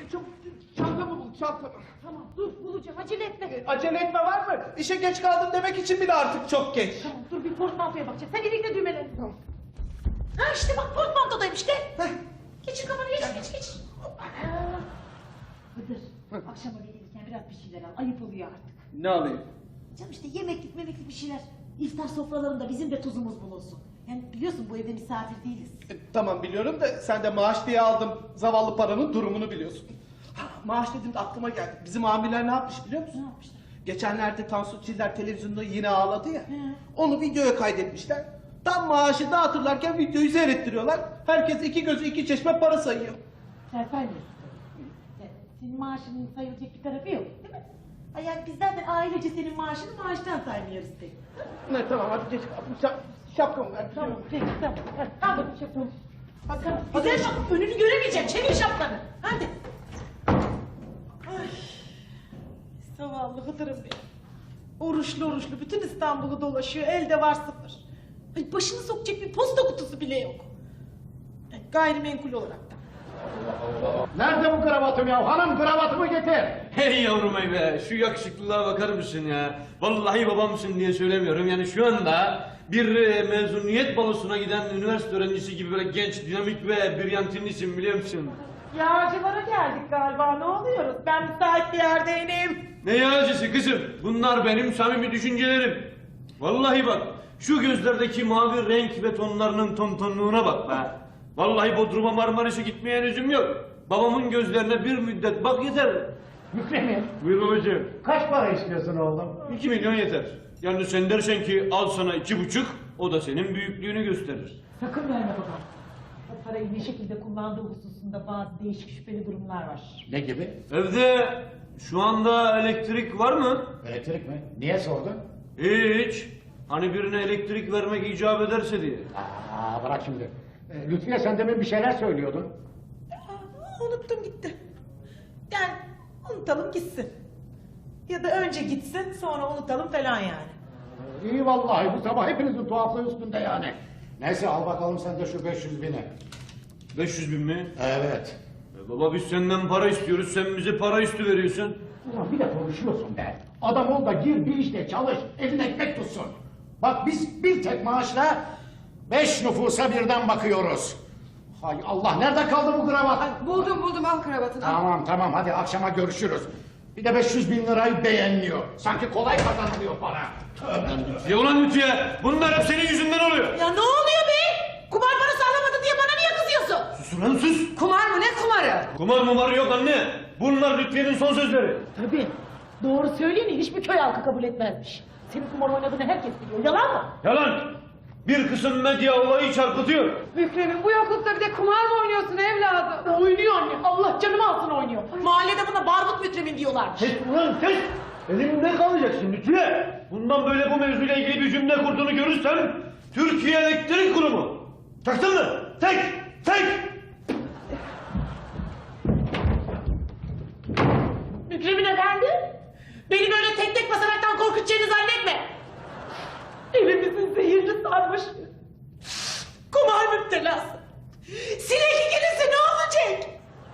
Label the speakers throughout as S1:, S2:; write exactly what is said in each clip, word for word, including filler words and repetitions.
S1: Çok çantamı bul, çantamı.
S2: Tamam dur bulacağım, acele etme.
S1: E, acele etme var mı? İşe geç kaldım demek için bile artık çok geç.
S2: Tamam dur bir portmantoya bakacağız. Sen elinde düğmelerini. Tamam. Ha işte bak portmantodaymış gel.
S1: Heh.
S2: Geçir kafanı geç geç geç. Hıdır akşama gelirken biraz bir şeyler al. Ayıp oluyor artık.
S1: Ne alayım?
S2: Canım işte yemeklik memeklik bir şeyler. İftar sofralarında bizim de tuzumuz bulunsun. Yani biliyorsun bu evde misafir değiliz.
S1: E, tamam biliyorum da sen de maaş diye aldım. Zavallı paranın durumunu biliyorsun. Ha, maaş dediğimde aklıma geldi. Bizim amirler ne yapmış biliyor musun?
S2: Ne yapmışlar?
S1: Geçenlerde Tansu Çiller televizyonda yine ağladı ya.
S2: He.
S1: Onu videoya kaydetmişler. Tam maaşı dağıtırlarken videoyu seyrettiriyorlar. Herkes iki gözü iki çeşme para sayıyor.
S2: Sen saymıyorsun. Yani senin maaşının sayılacak bir tarafı yok değil mi? Ay yani biz zaten ailece senin maaşını maaştan saymıyoruz pek.
S1: Ne tamam hadi geç. Şap, şapkamı ver.
S2: Tamam peki tamam. Hadi, al bakayım şapkanı.
S1: Hadi,
S2: Tamam.
S1: hadi.
S2: Güzel şapka önünü göremeyeceğim. Çevir şapkanı. Hadi. Ay. Zavallı Hıdır'ım benim. Oruçlu oruçlu bütün İstanbul'u dolaşıyor. Elde var sıfır. Ay başını sokacak bir posta kutusu bile yok. Yani gayrimenkul olarak da.
S3: Nerede bu kravatım ya? Hanım kravatımı getir.
S4: Hey yavrum ey be, şu yakışıklılığa bakar mısın ya? Vallahi babamsın diye söylemiyorum. Yani şu anda bir e, mezuniyet balosuna giden üniversite öğrencisi gibi böyle genç, dinamik ve brilyantinlisin biliyor musun?
S2: Yağcılara geldik galiba. Ne oluyoruz? Ben müsait bir yerdeyim.
S4: Ne yağcısı kızım? Bunlar benim samimi düşüncelerim. Vallahi bak, şu gözlerdeki mavi renk ve tonlarının tontonluğuna bak be. Vallahi Bodrum'a Marmaris'e gitmeye lüzum yok. Babamın gözlerine bir müddet bak yeter.
S3: Mükremin.
S4: Buyur babacığım.
S3: Kaç para istiyorsun oğlum?
S4: İki milyon yeter. Yani sen dersen ki al sana iki buçuk, o da senin büyüklüğünü gösterir.
S2: Sakın verme babam. O parayı ne şekilde kullandığı hususunda bazı değişik şüpheli durumlar var.
S3: Ne gibi?
S4: Evde şu anda elektrik var mı?
S3: Elektrik mi? Niye sordun?
S4: Hiç. Hani birine elektrik vermek icap ederse diye.
S3: Aa, bırak şimdi. Ee, Lütfiye sen demin bir şeyler söylüyordun.
S2: Aa, unuttum gitti. Yani unutalım gitsin. Ya da önce gitsin sonra unutalım falan yani.
S3: Ee, iyi vallahi bu sabah hepinizin tuhaflığı üstünde yani. Neyse al bakalım sen de şu beş yüz bini.
S4: beş yüz bin mi?
S3: Evet.
S4: E baba biz senden para istiyoruz, sen bize para üstü veriyorsun.
S3: Ulan bir de konuşuyorsun be. Adam ol da gir bir işte çalış, elin ekmek tutsun. Bak biz bir tek maaşla beş nüfusa birden bakıyoruz. Hay Allah nerede kaldı bu kravat?
S5: Buldum buldum al kravatını.
S3: Tamam tamam hadi akşama görüşürüz. Bir de beş yüz bin lirayı beğenmiyor. Sanki kolay kazanılıyor para. Tövbe.
S4: Ya ulan Lütfiye, bunlar hep senin yüzünden oluyor.
S2: Ya ne oluyor be? Kumar parası alamadın diye bana niye kızıyorsun?
S4: Sus ulan sus.
S5: Kumar mı ne kumarı?
S4: Kumar mumarı yok anne. Bunlar Lütfiye'nin son sözleri.
S2: Tabii. Doğru söyleyeni hiçbir köy halkı kabul etmezmiş. Senin kumar oynadığını herkes biliyor. Yalan mı?
S4: Yalan. Bir kısım medya olayı çarpıtıyor.
S5: Mükremin bu yoklukta bir de kumar mı oynuyorsun evladım?
S2: Oynuyor anne. Allah canımı alsın oynuyor. Mahallede buna barbut Mükremin diyorlarmış.
S4: Kes ulan kes! Elimde kalacaksın Lütfiye! Bundan böyle bu mevzuyla ilgili bir cümle kurduğunu görürsem Türkiye Elektrik Kurumu! Taktın mı? Tek! Tek!
S2: Mükremin efendi. Beni böyle tek tek basamaktan korkutacağını zannetme. Elimizin zehirli sarmış. Kumar müptelası. Sinekli gelirse ne olacak?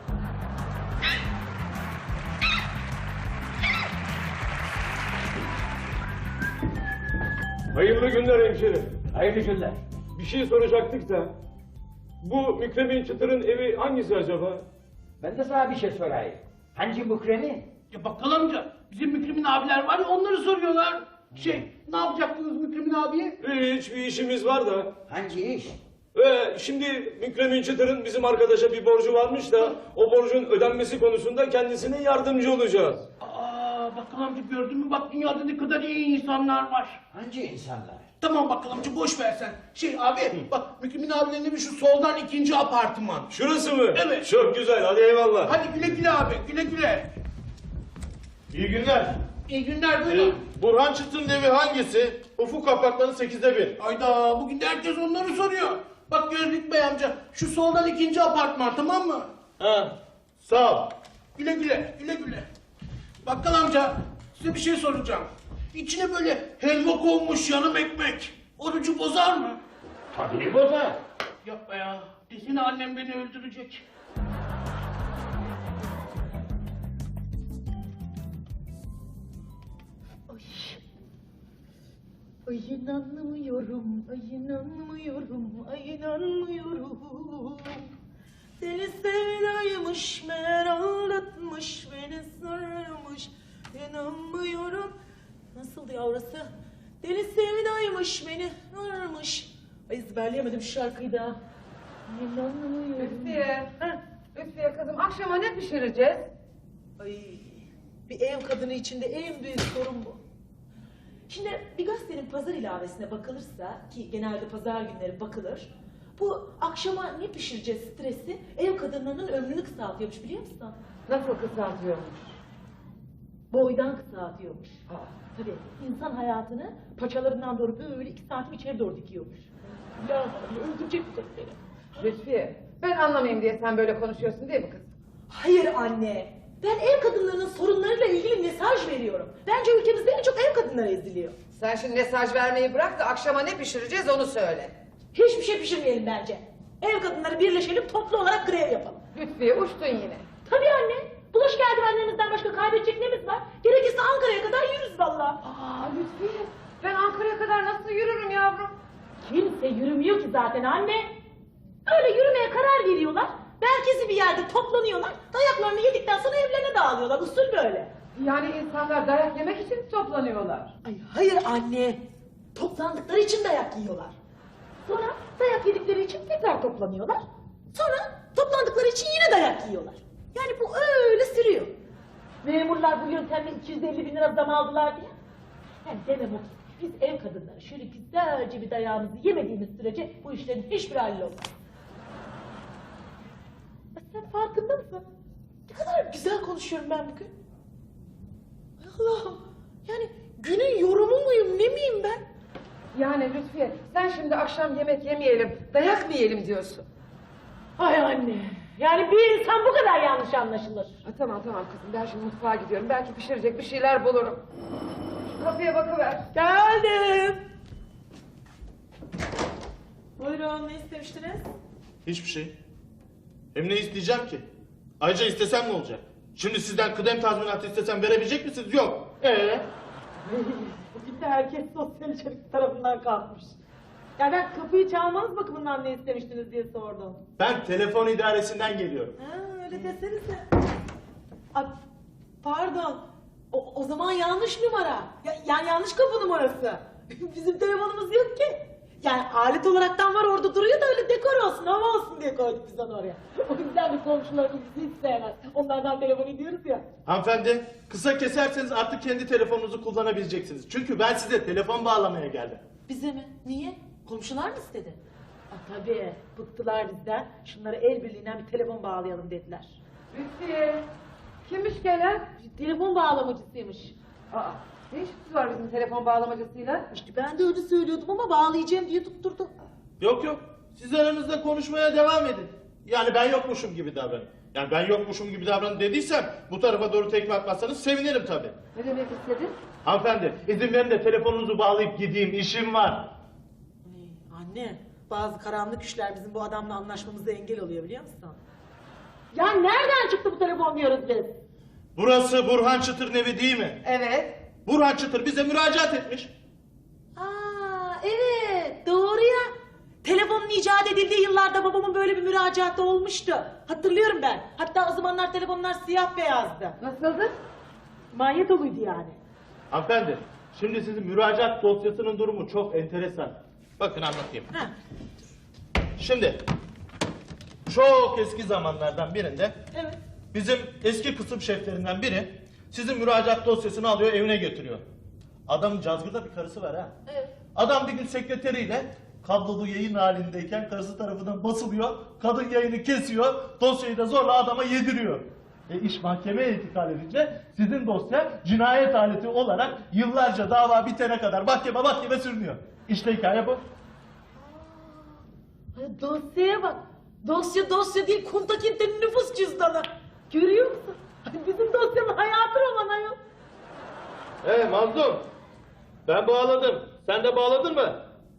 S6: Hayırlı günler hemşerim.
S3: Hayırlı günler.
S6: Bir şey soracaktık da. Bu Mükremin Çıtır'ın evi hangisi acaba?
S3: Ben de sana bir şey sorayım. Hangi Mükremi?
S7: Ya bakkal amca, bizim Mükremin abiler var ya onları soruyorlar. Şey, ne yapacaktınız Mükremin abiye?
S6: Hiç bir işimiz var da.
S3: Hangi iş?
S6: Ee, şimdi Mükremin Çıtır'ın bizim arkadaşa bir borcu varmış da o borcun ödenmesi konusunda kendisine yardımcı olacağız.
S7: Aa bakkal amca gördün mü bak dünyada ne kadar iyi insanlar var.
S3: Hangi insanlar?
S7: Tamam bakkal amca boş ver sen. Şey abi bak Mükremin abilerin evi şu soldan ikinci apartman.
S6: Şurası mı?
S7: Evet.
S6: Çok güzel, hadi eyvallah.
S7: Hadi güle güle abi güle güle.
S6: İyi günler.
S7: İyi günler buyurun.
S6: Burhan Çıtır'ın evi hangisi? Ufuk Apartmanı sekizde bir.
S7: Ayda bugün de herkes onları soruyor. Bak Gözlük Bey amca şu soldan ikinci apartman tamam mı?
S6: Ha, sağ ol.
S7: Güle güle, güle güle. Bakkal amca, size bir şey soracağım. İçine böyle helva konmuş yanım ekmek. Orucu bozar mı?
S3: Tabii bozar.
S7: Yapma ya. Desene annem beni öldürecek.
S2: Ay inanmıyorum, ay inanmıyorum, ay inanmıyorum. Deli sevdaymış, meğer aldatmış, beni sarmış. İnanmıyorum. Nasıldı yavrusu? Deli sevdaymış, beni sarmış. Ay ezberleyemedim şu şarkıyı da. İnanmıyorum.
S5: Lütfiye.
S2: Ha?
S5: Lütfiye kızım akşama ne pişireceğiz?
S2: Ay, bir ev kadını içinde en büyük sorun bu. Şimdi bir gazetenin pazar ilavesine bakılırsa, ki genelde pazar günleri bakılır, bu akşama ne pişireceğiz stresi ev kadınlarının ömrünü kısaltıyormuş, biliyor musun?
S5: Nasıl kısaltıyormuş?
S2: Boydan kısaltıyormuş. Tabii insan hayatını paçalarından doğru böyle iki santim içeri doğru dikiyormuş. Ya öldürecek bu kadın beni.
S5: Lütfiye ben anlamayayım diye sen böyle konuşuyorsun değil mi kız?
S2: Hayır anne. Ben ev kadınlarının sorunlarıyla ilgili mesaj veriyorum. Bence ülkemizde en çok ev kadınları eziliyor.
S5: Sen şimdi mesaj vermeyi bırak da akşama ne pişireceğiz onu söyle.
S2: Hiçbir şey pişirmeyelim bence. Ev kadınları birleşelim, toplu olarak grev yapalım.
S5: Lütfiye uçtun yine.
S2: Tabii anne. Bulaşık eldivenlerimizden başka kaybedecek nemiz var? Gerekirse Ankara'ya kadar yürürüz valla.
S5: Aa Lütfiye ben Ankara'ya kadar nasıl yürürüm yavrum?
S2: Kimse yürümüyor ki zaten anne. Öyle yürümeye karar veriyorlar. Merkezi bir yerde toplanıyorlar. Dayaklarını yedikten sonra evlerine dağılıyorlar. Usul böyle.
S5: Yani insanlar dayak yemek için toplanıyorlar.
S2: Ay hayır anne. Toplandıkları için dayak yiyorlar. Sonra dayak yedikleri için tekrar toplanıyorlar. Sonra toplandıkları için yine dayak yiyorlar. Yani bu öyle sürüyor. Memurlar bu yöntemle iki yüz elli bin lira zam aldılar diye. Yani demem o ki biz ev kadınları şöyle güzelce bir dayağımızı yemediğimiz sürece bu işlerin hiçbir hallolmaz. Sen farkında mısın? Ne kadar güzel konuşuyorum ben bugün. Ay Allah'ım. Yani günün yorumu muyum ne miyim ben?
S5: Yani Lütfiye sen şimdi akşam yemek yemeyelim dayak mı yiyelim diyorsun?
S2: Ay anne. Yani bir insan bu kadar yanlış anlaşılır.
S5: Ha, tamam tamam kızım ben şimdi mutfağa gidiyorum belki pişirecek bir şeyler bulurum. Şu kapıya bakıver.
S2: Geldim. Buyurun ne istemiştiniz?
S7: Hiçbir şey. Hem ne isteyeceğim ki? Ayrıca istesem ne olacak? Şimdi sizden kıdem tazminatı istesem verebilecek misiniz? Yok. Ee?
S2: Bugün de herkes sosyal içerik tarafından kalkmış. Ya ben kapıyı çalmanız bakımından ne istemiştiniz diye sordum.
S7: Ben telefon idaresinden geliyorum.
S2: Ha öyle desenize. Ay, pardon. O, o zaman yanlış numara. Ya, yani yanlış kapı numarası. Bizim telefonumuz yok ki. Yani alet olaraktan var orada duruyor da öyle dekor olsun, hava olsun diye koyduk biz onu oraya. O yüzden de komşularımız bizi hiç sevmez. Onlardan telefon ediyoruz ya.
S7: Hanımefendi, kısa keserseniz artık kendi telefonunuzu kullanabileceksiniz. Çünkü ben size telefon bağlamaya geldim.
S2: Bize mi? Niye? Komşular mı istedi? Aa, tabii. Bıktılar bizden. Şunlara el birliğinden bir telefon bağlayalım dediler.
S5: Lütfiye kimmiş gelen?
S2: Telefon bağlamacısıymış.
S5: Aa ne işiniz var bizim telefon bağlamacısıyla?
S2: İşte ben de öyle söylüyordum ama bağlayacağım diye tutturdu.
S7: Yok yok, siz aranızda konuşmaya devam edin. Yani ben yokmuşum gibi davranın. Yani ben yokmuşum gibi davranın dediysem bu tarafa doğru tekme atmazsanız sevinirim tabii.
S5: Ne demek istedin?
S7: Hanımefendi, izin verin de telefonunuzu bağlayıp gideyim, işim var.
S2: Ay, anne, bazı karanlık güçler bizim bu adamla anlaşmamıza engel oluyor biliyor musun? Ya nereden çıktı bu telefon diyoruz biz?
S7: Burası Burhan Çıtır'ın evi değil mi?
S5: Evet.
S7: Burhan Çıtır bize müracaat etmiş.
S2: Aa evet doğru ya. Telefonun icat edildiği yıllarda babamın böyle bir müracaatı olmuştu. Hatırlıyorum ben. Hatta o zamanlar telefonlar siyah beyazdı.
S5: Nasıldı?
S2: Manyetoluydu yani.
S7: Hanımefendi, şimdi sizin müracaat dosyasının durumu çok enteresan. Bakın anlatayım.
S2: Ha.
S7: Şimdi, çok eski zamanlardan birinde
S2: Evet.
S7: bizim eski kısım şeflerinden biri sizin müracaat dosyasını alıyor evine götürüyor. Adamın cazgırda bir karısı var ha.
S2: Evet.
S7: Adam bir gün sekreteriyle kablolu yayın halindeyken karısı tarafından basılıyor. Kadın yayını kesiyor. Dosyayı da zorla adama yediriyor. E iş mahkemeye intikal edince sizin dosya cinayet aleti olarak yıllarca dava bitene kadar mahkeme mahkeme sürünüyor. İşte hikaye bu.
S2: Ay, dosyaya bak. Dosya dosya değil Kuntakinte'nin nüfus cüzdanı. Görüyor musun? Ay, bizim dosyanın hayatı roman ayol.
S7: He Mazlum. Ben bağladım. Sen de bağladın mı?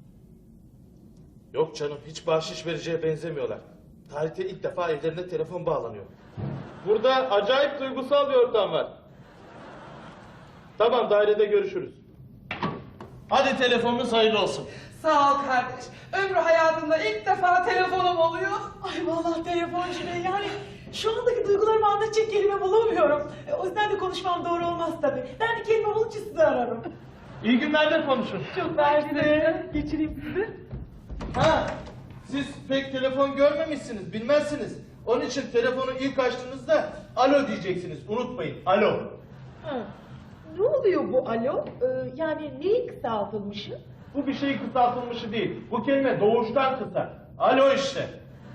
S7: Yok canım, hiç bahşiş vereceğe benzemiyorlar. Tarihte ilk defa evlerine telefon bağlanıyor. Burada acayip duygusal bir ortam var. Tamam, dairede görüşürüz. Hadi telefonunuz hayırlı olsun.
S2: Sağ ol kardeş. Ömrü hayatımda ilk defa telefonum oluyor. Ay vallahi telefoncu ne yani. Şu andaki duygularımı anlatacak kelime bulamıyorum. E, o yüzden de konuşmam doğru olmaz tabii. Ben bir kelime bulunca sizi ararım.
S7: İyi günlerde konuşun.
S2: Çok mersi. Geçireyim sizi.
S7: Ha, siz pek telefon görmemişsiniz, bilmezsiniz. Onun için telefonu ilk açtığınızda alo diyeceksiniz. Unutmayın, alo.
S2: Ha. Ne oluyor bu alo? Ee, yani neyi kısaltılmışı?
S7: Bu bir şey kısaltılmışı değil. Bu kelime doğuştan kısa. Alo işte.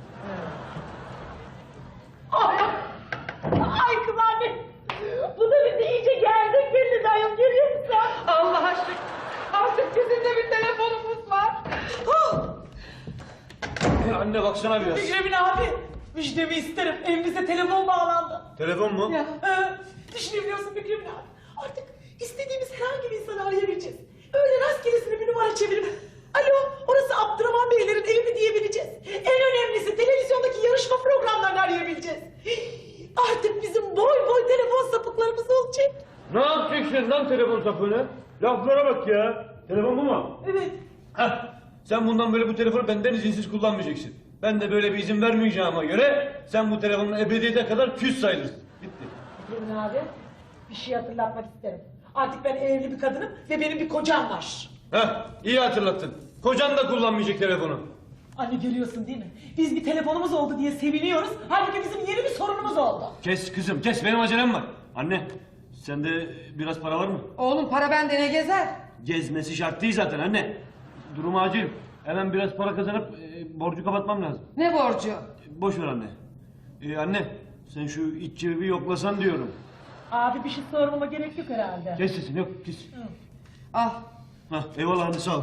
S2: Ay, ay kız anne. Bu da bizi iyice gerdik belli dayım görüyor musun? Allah aşkına. Artık bizim de bir telefonumuz var. Huh!
S4: E, anne baksana biraz.
S2: Fikrimin abi. Müjdemi isterim. Evimize telefon bağlandı.
S4: Telefon mu?
S2: Ya. Ee, düşünebiliyor musun Fikrimin abi? Artık istediğimiz herhangi bir insanı arayabileceğiz. Öyle rastgelesine bir numara çevirip alo orası Abdurrahman Beylerin evi mi diyebileceğiz. En önemlisi televizyondaki yarışma programlarını arayabileceğiz. Artık bizim boy boy telefon sapıklarımız olacak.
S4: Ne yapacaksın lan telefon sapığını? Laflara bak ya. Telefon bu mu?
S2: Evet.
S4: Heh. Sen bundan böyle bu telefonu benden izinsiz kullanmayacaksın. Ben de böyle bir izin vermeyeceğime göre sen bu telefonun ebediyete kadar küs sayılırsın. Bitti.
S2: Fikrimin abi bir şey hatırlatmak isterim. Artık ben evli bir kadınım ve benim bir kocam var.
S4: Heh, iyi hatırlattın. Kocan da kullanmayacak telefonu.
S2: Anne görüyorsun değil mi? Biz bir telefonumuz oldu diye seviniyoruz. Halbuki bizim yeni bir sorunumuz oldu.
S4: Kes kızım, kes. Benim acelem var. Anne, sende biraz para var mı?
S5: Oğlum para bende ne gezer?
S4: Gezmesi şart değil zaten anne. Durum acil. Hemen biraz para kazanıp e, borcu kapatmam lazım.
S5: Ne borcu?
S4: E, boş ver anne. E, anne, sen şu iç cebi yoklasan diyorum.
S2: Abi bir şey sormama gerek yok herhalde.
S4: Kes sesini, yok kes.
S5: Al.
S4: Hah, eyvallah anne, sağ ol.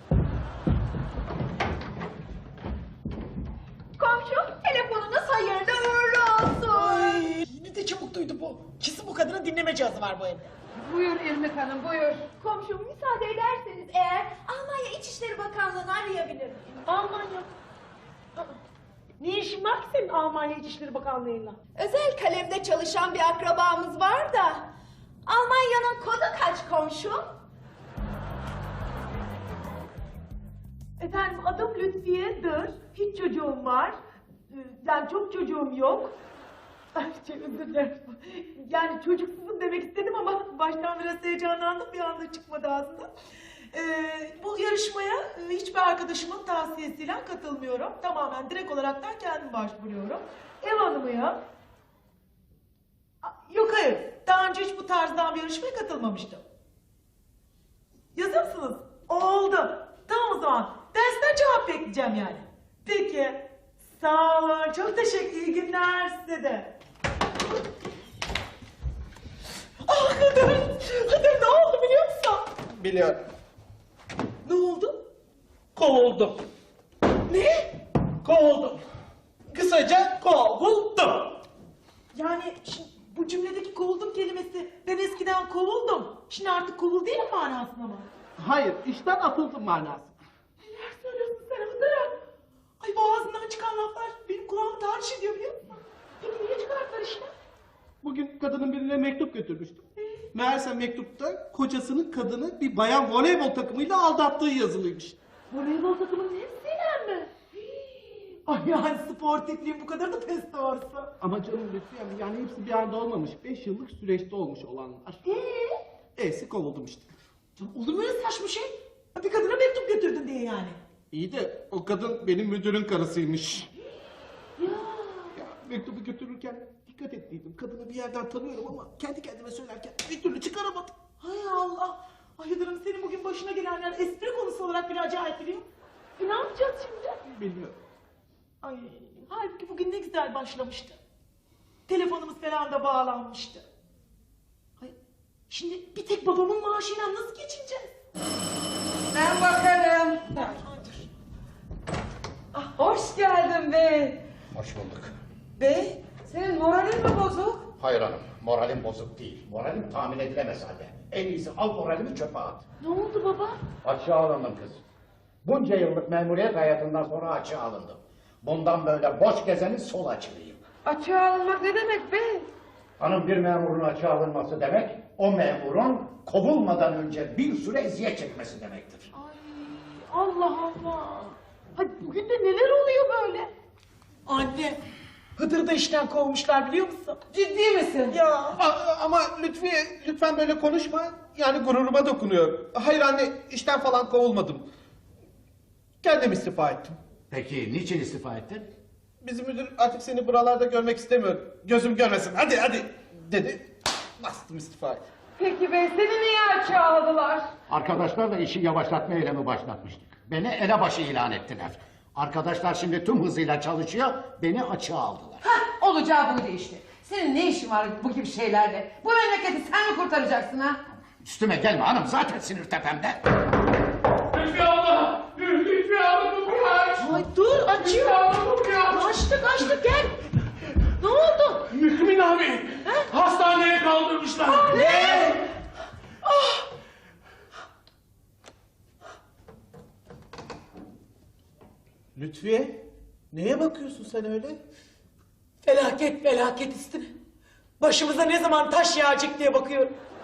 S8: Komşum telefonunuz hayırlı uğurlu olsun.
S2: Ay, ne de çabuk duydu bu. Kesin bu kadının dinleme cihazı var bu evde.
S5: Buyur İrmik Hanım buyur.
S8: Komşum müsaade ederseniz eğer Almanya İçişleri Bakanlığı'nı arayabilir miyim?
S2: Almanya. Aa, ne işin var ki senin Almanya İçişleri Bakanlığı'yla?
S8: Özel kalemde çalışan bir akrabamız var da Almanya'nın kodu kaç komşum?
S2: Efendim adım Lütfiye'dir. Hiç çocuğum var. Ee, Yani çok çocuğum yok. Ay çok özür dilerim. Yani çocuksuzum demek istedim ama baştan biraz heyecanlandım, bir anda çıkmadı ağzımdan. Ee, bu yarışmaya e, hiçbir arkadaşımın tavsiyesiyle katılmıyorum. Tamamen direkt olaraktan kendim başvuruyorum. Ev hanımıyım. A, Yok hayır, daha önce hiç bu tarzdan bir yarışmaya katılmamıştım. Yazır mısınız? Oldu. Tamam o zaman. Dersten cevap bekleyeceğim yani. Peki. Sağ olun. Çok teşekkür. İyi günler size de. Ah Kadir. Kadir ne oldu biliyor musun?
S7: Biliyorum.
S2: Ne oldu?
S7: Kovuldum.
S2: Ne?
S7: Kovuldum. Kısaca kovuldum.
S2: Yani şimdi bu cümledeki kovuldum kelimesi ben eskiden kovuldum. Şimdi artık kovul değil manasında mı?
S1: Hayır, işten atıldım manası.
S2: Neler söylüyorsun sen Hıdır'ım? Ay bu ağzından çıkan laflar benim kulağımı tahriş ediyor biliyor musun? Peki niye çıkarttılar işte?
S1: Bugün kadının birine mektup götürmüştüm. Meğerse mektupta kocasının kadını bir bayan voleybol takımıyla aldattığı yazılıymış.
S2: Voleybol takımının hepsiyle mi? Hii. Ay yani sportifliğim bu kadar da pes doğrusu.
S1: Ama canım lütfen yani hepsi bir anda olmamış. Beş yıllık süreçte olmuş olanlar.
S2: Ee?
S1: E'si kovuldum işte.
S2: Ya olur mu öyle saçma şey? Bir kadına mektup götürdün diye yani.
S1: İyi de o kadın benim müdürün karısıymış.
S2: Ya.
S1: Ya mektubu götürürken dikkat ettiydim. Kadını bir yerden tanıyorum ama kendi kendime söylerken bir türlü çıkaramadım.
S2: Hay Allah. Ay Hıdır'ım senin bugün başına gelenler espri konusu olarak bir acayip biliyor musun? E ne yapacağız şimdi?
S1: Bilmiyorum.
S2: Ay halbuki bugün ne güzel başlamıştı. Telefonumuz falan da bağlanmıştı. Ay, şimdi bir tek babamın maaşıyla nasıl geçineceğiz?
S5: Ben bakarım.
S2: Ay, ay, dur.
S5: Ah, hoş geldin bey.
S3: Hoş bulduk.
S5: Bey senin moralin mi bozuk?
S3: Hayır hanım, moralim bozuk değil. Moralim tahmin edilemez halde. En iyisi al moralimi çöpe at.
S2: Ne oldu baba?
S3: Açığa alındım kız. Bunca yıllık memuriyet hayatından sonra açığa alındım. Bundan böyle boş gezenin sol açılıyım.
S5: Açığa alınmak ne demek bey?
S3: Hanım bir memurun açığa alınması demek, o memurun kovulmadan önce bir süre eziyet çekmesi demektir.
S2: Ay Allah Allah. Ay bugün de neler oluyor böyle? Anne, Hıdır'ı da işten kovmuşlar biliyor musun?
S5: Ciddi misin?
S2: Ya.
S1: A- ama Lütfiye lütfen böyle konuşma. Yani gururuma dokunuyor. Hayır anne işten falan kovulmadım. Kendim istifa ettim.
S3: Peki niçin istifa ettin?
S1: Bizim müdür artık seni buralarda görmek istemiyor. Gözüm görmesin. Hadi hadi dedi. Bastım istifayı.
S5: Peki be seni niye açığa aldılar?
S3: Arkadaşlarla işi yavaşlatma eylemi başlatmıştık. Beni elebaşı ilan ettiler. Arkadaşlar şimdi tüm hızıyla çalışıyor, beni açığa aldılar.
S5: Hah olacağı buydu işte. Senin ne işin var bu gibi şeylerle? Bu memleketi sen mi kurtaracaksın ha?
S3: Üstüme gelme hanım, zaten sinir tepemde.
S6: Lütfi abla! Lütfi abla kapıyı aç!
S2: Ay dur açıyor. Açtık açtık gel. Ne oldu?
S6: Mükmin abi! Hastaneye kaldırmışlar.
S2: Ne?
S1: Lütfiye neye bakıyorsun sen öyle?
S2: Felaket felaket üstüne. Başımıza ne zaman taş yağacak diye bakıyorum.